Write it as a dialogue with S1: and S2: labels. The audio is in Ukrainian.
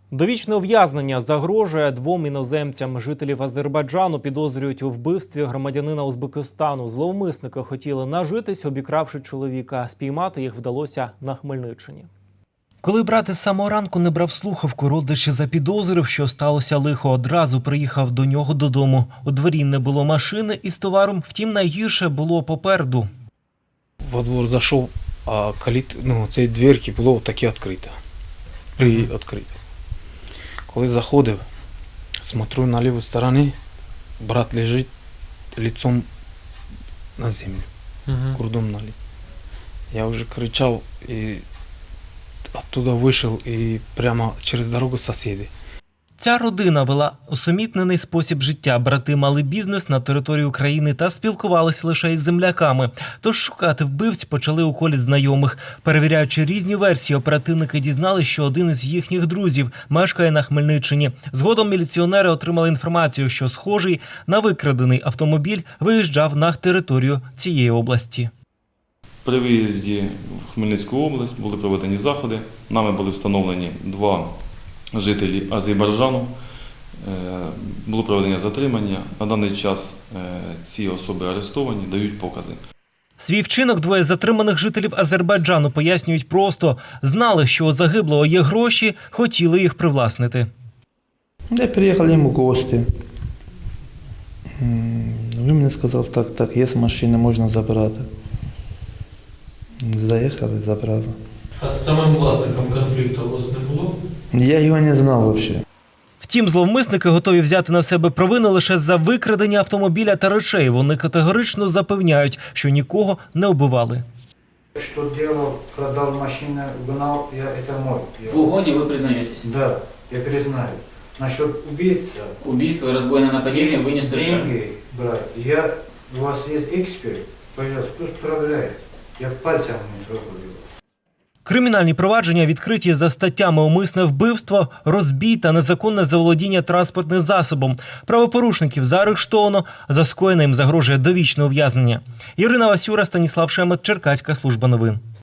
S1: Довічне ув'язнення загрожує двом іноземцям. Жителів Азербайджану підозрюють у вбивстві громадянина Узбекистану. Зловмисники хотіли нажитись, обікравши чоловіка. Спіймати їх вдалося на Хмельниччині. Коли брат із самого ранку не брав слухавку, родич запідозрив, що сталося лихо. Одразу приїхав до нього додому. У дворі не було машини із товаром, втім найгірше було попереду.
S2: Во двор зайшов, а цієї дверки було таке відкрите. Відкрите. Коли заходив, смотрю на ліву сторону, брат лежить лицом на землю, курдом наліт. Я вже кричав і оттуда вийшов і прямо через дорогу сусіди.
S1: Ця родина вела усумітнений спосіб життя. Брати мали бізнес на території України та спілкувалися лише із земляками. Тож шукати вбивць почали у колі знайомих. Перевіряючи різні версії, оперативники дізналися, що один із їхніх друзів мешкає на Хмельниччині. Згодом міліціонери отримали інформацію, що схожий на викрадений автомобіль виїжджав на територію цієї області.
S3: При виїзді в Хмельницьку область були проведені заходи. Нами були встановлені два жителі Азербайджану. Було проведення затримання. На даний час ці особи арестовані, дають покази.
S1: Свій вчинок двоє затриманих жителів Азербайджану пояснюють просто. Знали, що у загиблого є гроші, хотіли їх привласнити.
S4: Я приїхав йому в гості. Він мені сказав, так, є машина, можна забрати. Заїхали, забрали.
S5: А з самим власником конфлікту у вас не було?
S4: Я його не знав взагалі.
S1: Втім, зловмисники готові взяти на себе провину лише за викрадення автомобіля та речей. Вони категорично запевняють, що нікого не убивали.
S6: Что делал, продал машину, угнал, это мой.
S7: В угоне вы признаетесь?
S6: Да, я признаю. Насчет убийца.
S7: Убийство и разбойное нападение вы не совершали?
S6: Деньги брать. У вас есть эксперт, пожалуйста, пусть проверяет. Я пальцем не трогаю.
S1: Кримінальні провадження відкриті за статтями «Умисне вбивство», «Розбій» та «Незаконне заволодіння транспортним засобом». Правопорушників заарештовано, за скоєне їм загрожує довічне ув'язнення. Ірина Васюра, Станіслав Шемет, Черкаська служба новин.